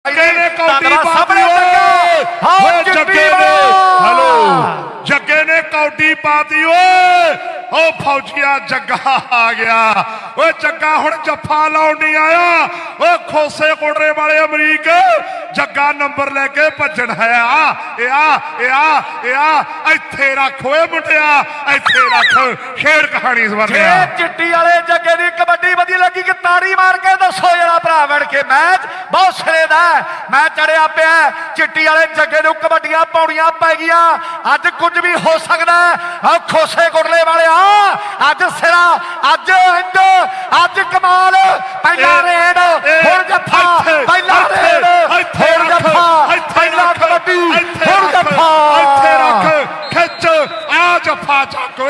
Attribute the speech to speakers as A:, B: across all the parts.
A: जग्गे ने कौडी पाती ओ फौजिया जग्गा आ गया ओ जग्गा हुण जफा लाउण नहीं आया ओ खोसे कोटरे वाले अमरीक जग्गा नंबर लेके भजन है इत्थे रख ओए मुंडिया इत्थे रख शेर कहानी सवरनिया
B: चिट्टी वाले जग्गे दी कबड्डी वधी लगी कि ताड़ी मार के दसो जरा भरा बन के मैच बहुत सिरे दा मैं चढ़िया पिया चिट्टी वाले जग्गे नूं कबड्डियां पौड़ियां पै गईयां अज कुछ भी हो सकता है खोसे कोटले वाले अज सिरा अज इंज अज कमाल पहला रेड हुण जफा पहला रेड हुण जफा पहला कबड्डी हुण जफा
A: इत्थे रख खिच आ जफा चक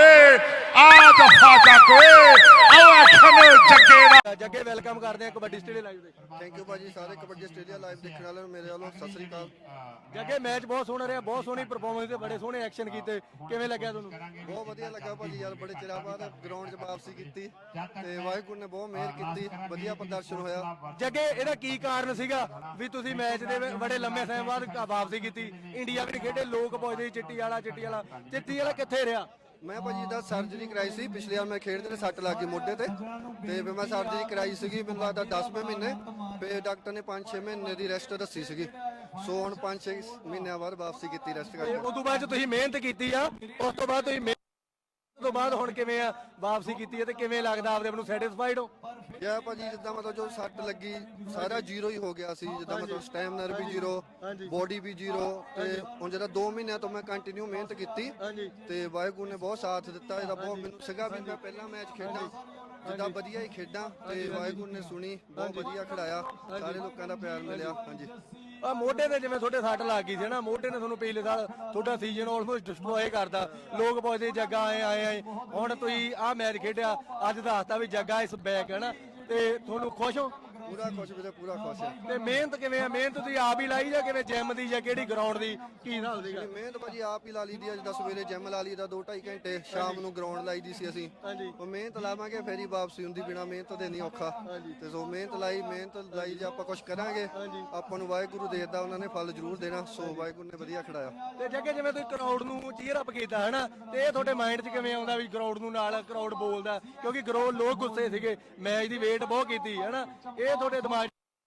A: आ जफा चक आओ एक्शन जग्गे दा
C: जग्गे वेलकम करते हैं कबड्डी स्टेडियम लाइव देख
D: थैंक यू भाजी सारे कबड्डी स्टेडियम लाइव देखने वाले मेरे वालों सत श्री अकाल
C: जग्गे मैच बहुत सोहना रहा बहुत सोहनी परफॉर्मेंस बड़े सोहने एक्शन किए किवें लग्या तुहानूं
D: बहुत वधिया लगा भाजी यार बड़े चिरा बाद ग्राउंड 'च वापसी की ते वाहिगुरू ने बहुत मेहर की वधिया प्रदर्शन होया
C: जग्गे ਇਹਦਾ ਕੀ ਕਾਰਨ ਸੀਗਾ ਵੀ ਤੁਸੀਂ ਮੈਚ ਦੇ ਬੜੇ ਲੰਮੇ ਸਮੇਂ ਬਾਅਦ ਵਾਪਸੀ ਕੀਤੀ ਇੰਡੀਆ ਵੀ ਖੇਡੇ ਲੋਕ ਪੁੱਛਦੇ ਚਿੱਟੀ ਵਾਲਾ ਕਿੱਥੇ ਰਿਹਾ
D: मैं भाजी दा सर्जरी कराई सी पिछले यार मैं खेडते सट लग गई मोढे ते फिर मैं सर्जरी कराई सी मैनूं लगदा 10वें महीने फिर डॉक्टर ने 5-6 महीने की रेस्ट दसी सी सो हुण 5-6 महीनों बाद वापसी की रेस्ट करके
C: उस तो बाद तुसीं मेहनत की उस तो बाद तुसीं तो बाद हुण किवें वापसी की है ते किवें लगदा आपदे आਪ ਨੂੰ सैटिस्फाइड हो
D: यार भाजी जिद्दां मतलब जो सट लगी सारा जीरो ही हो गया सी जिद्दां मतलब स्टैमिना भी जीरो बॉडी भी जीरो ते हुण जिद्दां 2 महीने तो मैं कंटिन्यू मेहनत की ते वाहिगुरू ने बहुत साथ दिता इहदा बहुत मैनूं सीगा भी मैं पहला मैच खेडां जिद्दां वधिया ही खेडां ते वाहिगुरू ने सुनी बहुत वधिया खिडाया सारे लोकां दा प्यार मिलिया हांजी
C: ਆ ਮੋਢੇ ਤੇ ਜਿਵੇਂ ਤੁਹਾਡੇ ਸੱਟ ਲੱਗ ਗਈ ਸੀ ਨਾ ਮੋਢੇ ਨੇ ਤੁਹਾਨੂੰ ਪਿਛਲੇ ਸਾਲ ਤੁਹਾਡਾ ਸੀਜ਼ਨ ਆਲਮੋਸਟ ਡਿਸਟਰੋਏ ਕਰਦਾ ਲੋਕ ਪੁੱਛਦੇ ਜੱਗਾ ਆਏ ਹੁਣ ਤੁਸੀਂ ਆਹ ਮੈਚ ਖੇਡਿਆ ਅੱਜ ਦੱਸਤਾ ਵੀ ਜੱਗਾ ਇਸ ਬੈਕ ਹੈ ਨਾ ਤੇ ਤੁਹਾਨੂੰ ਖੁਸ਼ ਹੋ
D: पूरा खुश भी पूरा खुश है
C: ਤੇ ਮਿਹਨਤ ਕਿਵੇਂ ਆ ਮਿਹਨਤ ਤੁਸੀਂ ਆਪ ਹੀ ਲਾਈ ਜਾਂ ਕਿਵੇਂ ਜਿਮ ਦੀ ਜਾਂ ਕਿਹੜੀ ਗਰਾਊਂਡ ਦੀ ਕੀ ਹਿਸਾਬ ਸੀਗਾ
D: ਮਿਹਨਤ ਭਾਜੀ ਆਪ ਹੀ ਲਾ ਲਈ ਦੀ ਅੱਜ ਸਵੇਰੇ ਜਿਮ ਲਾ ਲਈ ਦਾ 2-2.5 ਘੰਟੇ ਸ਼ਾਮ ਨੂੰ ਗਰਾਊਂਡ ਲਾਈ ਦੀ ਸੀ ਅਸੀਂ ਉਹ ਮਿਹਨਤ ਲਾਵਾਂਗੇ ਫੇਰ ਹੀ ਵਾਪਸੀ ਹੁੰਦੀ ਬਿਨਾ ਮਿਹਨਤ ਦੇ ਨਹੀਂ ਔਖਾ ਤੇ ਸੋ ਮਿਹਨਤ ਲਾਈ ਜੇ ਆਪਾਂ ਕੁਝ ਕਰਾਂਗੇ ਆਪਾਂ ਨੂੰ ਵਾਹਿਗੁਰੂ ਦੇਦਾ ਉਹਨਾਂ ਨੇ ਫਲ ਜ਼ਰੂਰ ਦੇਣਾ ਸੋ ਵਾਹਿਗੁਰੂ ਨੇ ਵਧੀਆ ਖਿਡਾਇਆ
C: ਤੇ ਜੱਗੇ ਜਿਵੇਂ ਤੁਸੀਂ ਕਰਾਊਡ ਨੂੰ ਚੀਅਰ ਅਪ ਕੀਤਾ ਹੈ ਨਾ ਤੇ ਇਹ ਤੁਹਾਡੇ ਮਾਈਂਡ 'ਚ ਕਿਵੇਂ ਆਉਂਦਾ ਵੀ ਕਰਾਊਡ ਨੂੰ ਨਾਲ ਕਰਾਊਡ ਬੋਲਦਾ ਕਿਉਂਕਿ ਲੋਕ ਗੁੱਸੇ ਸੀਗੇ ਮੈਚ ਦੀ ਵੇਟ ਬਹੁਤ ਕੀਤੀ ਹੈ ਨਾ ਇਹ ਤੁਹਾਡੇ ਦਿਮਾਗ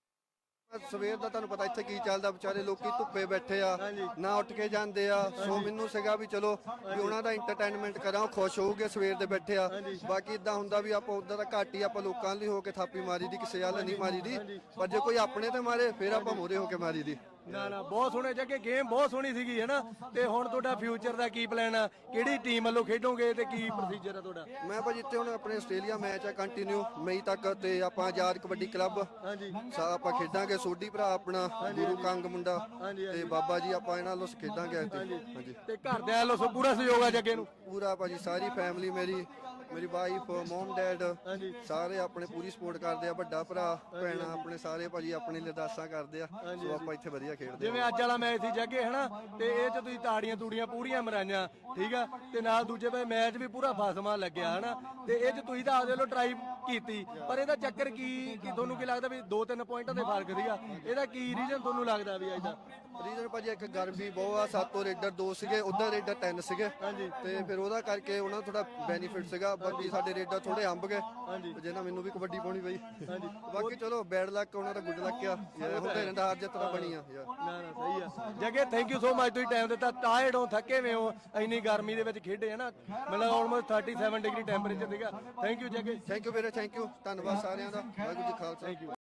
D: ਸਵੇਰ ਦਾ ਤੁਹਾਨੂੰ ਪਤਾ ਇੱਥੇ ਕੀ ਚੱਲਦਾ ਵਿਚਾਰੇ ਲੋਕੀ ਧੁੱਪੇ ਬੈਠੇ ਆ ਨਾ ਉੱਠ ਕੇ ਜਾਂਦੇ ਆ ਸੋ ਮੈਨੂੰ ਸੀਗਾ ਵੀ ਚਲੋ ਵੀ ਉਹਨਾਂ ਦਾ ਐਂਟਰਟੇਨਮੈਂਟ ਕਰਾਂ ਖੁਸ਼ ਹੋਊਗੇ ਸਵੇਰ ਦੇ ਬੈਠੇ ਆ ਬਾਕੀ ਇਦਾਂ ਹੁੰਦਾ ਵੀ ਆਪਾਂ ਉਦਾਂ ਦਾ ਘੱਟ ਹੀ ਆਪਾਂ ਲੋਕਾਂ ਲਈ ਹੋ ਕੇ ਥਾਪੀ ਮਾਰੀ ਦੀ ਕਿਸੇ ਵੱਲ ਨਹੀਂ ਮਾਰੀ ਦੀ ਪਰ ਜੇ ਕੋਈ ਆਪਣੇ ਤੇ ਮਾਰੇ ਫਿਰ ਆਪਾਂ ਮੋਰੇ ਹੋ ਕੇ ਮਾਰੀ ਦੀ
C: ਨਾ ਬਹੁਤ ਸੋਹਣੇ ਜੱਗੇ ਗੇਮ ਬਹੁਤ ਸੋਹਣੀ ਸੀਗੀ ਹੈ ਨਾ ਤੇ ਹੁਣ ਤੁਹਾਡਾ ਫਿਊਚਰ ਦਾ ਕੀ ਪਲਾਨ ਆ ਕਿਹੜੀ ਟੀਮ ਵੱਲੋਂ ਖੇਡੋਗੇ ਤੇ ਕੀ ਪ੍ਰੋਸੀਜਰ ਆ ਤੁਹਾਡਾ
D: ਮੈਂ ਭਾਜੀ ਇੱਥੇ ਹੁਣ ਆਪਣੇ ਆਸਟ੍ਰੇਲੀਆ ਮੈਚ ਆ ਕੰਟੀਨਿਊ ਮਈ ਤੱਕ ਤੇ ਆਪਾਂ ਆਜ਼ਾਦ ਕਬੱਡੀ ਕਲੱਬ ਆਪਾਂ ਖੇਡਾਂਗੇ ਸੋਢੀ ਭਰਾ ਆਪਣਾ ਗੁਰੂ ਕੰਗ ਮੁੰਡਾ ਤੇ ਬਾਬਾ ਜੀ ਆਪਾਂ ਇਹਨਾਂ ਵੱਲੋਂ ਖੇਡਾਂਗੇ ਹਾਂਜੀ
C: ਤੇ ਘਰਦਿਆਂ ਵੱਲੋਂ ਪੂਰਾ ਸਹਿਯੋਗ ਆ ਜੱਗੇ ਨੂੰ
D: ਪੂਰਾ ਭਾਜੀ ਸਾਰੀ ਫੈਮਿਲੀ ਮੇਰੀ ਵਾਈਫ ਮਮ ਡੈਡ ਸਾਰੇ ਆਪਣੇ ਪੂਰੀ ਸਪੋਰਟ ਕਰਦੇ ਆ ਵੱਡਾ ਭਰਾ ਭੈਣਾਂ ਆਪਣੇ ਸਾਰੇ ਭਾਜੀ ਆਪਣੇ ਲਈ ਅਰਦਾਸਾਂ ਕਰਦੇ ਆ ਸੋ ਆਪਾਂ ਇੱਥੇ ਵਧੀਆ ਖੇਡਦੇ
C: ਜਿਵੇਂ ਅੱਜ ਵਾਲਾ ਮੈਚ ਸੀ ਜੱਗੇ ਹਨਾ ਤੇ ਇਹ ਚ ਤੁਸੀਂ ਤਾੜੀਆਂ ਤੂੜੀਆਂ ਪੂਰੀਆਂ ਮਰਾਈਆਂ ਠੀਕ ਆ ਤੇ ਨਾਲ ਦੂਜੇ ਪਾਸੇ ਮੈਚ ਵੀ ਪੂਰਾ ਫਾਸਮਾ ਲੱਗਿਆ ਹਨਾ ਤੇ ਇਹ ਚ ਤੁਸੀਂ ਤਾਂ ਆਪਦੇ ਵੱਲੋਂ ਟਰਾਈ ਕੀਤੀ ਪਰ ਇਹਦਾ ਚੱਕਰ ਕੀ ਤੁਹਾਨੂੰ ਕੀ ਲੱਗਦਾ ਵੀ 2-3 ਪੁਆਇੰਟਾਂ ਦੇ ਫਰਕ ਸੀਗਾ ਇਹਦਾ ਕੀ ਰੀਜ਼ਨ ਤੁਹਾਨੂੰ ਲੱਗਦਾ ਵੀ ਅੱਜ ਦਾ
D: ਰੀਜ਼ਨ ਭਾਜੀ ਇੱਕ ਗਰਮੀ ਬਹੁਤ ਆ 7 ਰੇਡਰ 2 ਸੀਗੇ ਉਧਰ ਰੇਡਰ 3 ਸੀਗੇ ਤੇ ਫਿਰ ਉਹਦਾ ਕਰਕੇ ਉਹਨਾਂ ਨੂੰ ਥੋੜਾ ਬੈਨੀਫਿਟ ਸੀਗਾ ਬਾਕੀ ਸਾਡੇ ਰੇਡਰ ਥੋੜੇ ਅੰਬ ਗਏ ਜਿਹਨਾਂ ਮੈਨੂੰ ਵੀ ਕਬੱਡੀ ਪਾਉਣੀ ਪਈ ਬਾਕੀ ਚਲੋ ਬੈਡ ਲੱਕ ਉਹਨਾਂ ਦਾ ਗੁੱਡ ਲੱਕ ਆ ਹੁੰਦੇ ਰਹਿੰਦਾ ਹਾਰ ਜਿੱਤ ਤਾਂ ਬਣੀ ਆ ਯਾਰ
C: ਨਾ ਸਹੀ ਆ Jagge thank you so much ਤੁਸੀਂ ਟਾਈਮ ਦਿੱਤਾ ਟਾਇਰਡ ਹੋ ਥੱਕੇ ਵੇ ਹੋ ਇੰਨੀ ਗਰਮੀ ਦੇ ਵਿੱਚ ਖੇਡੇ ਹੈ ਨਾ ਮਤਲਬ ਆਲਮੋਸਟ 37 ਡਿਗਰੀ ਟੈਂਪਰੇਚਰ ਸੀਗਾ thank you Jagge
D: thank you ਵੀਰੇ ਥੈਂਕ ਯੂ ਧੰਨਵਾਦ ਸਾਰਿਆਂ ਦਾ ਵਾਹਿਗੁਰੂ ਜੀ ਖਾਲਸਾ।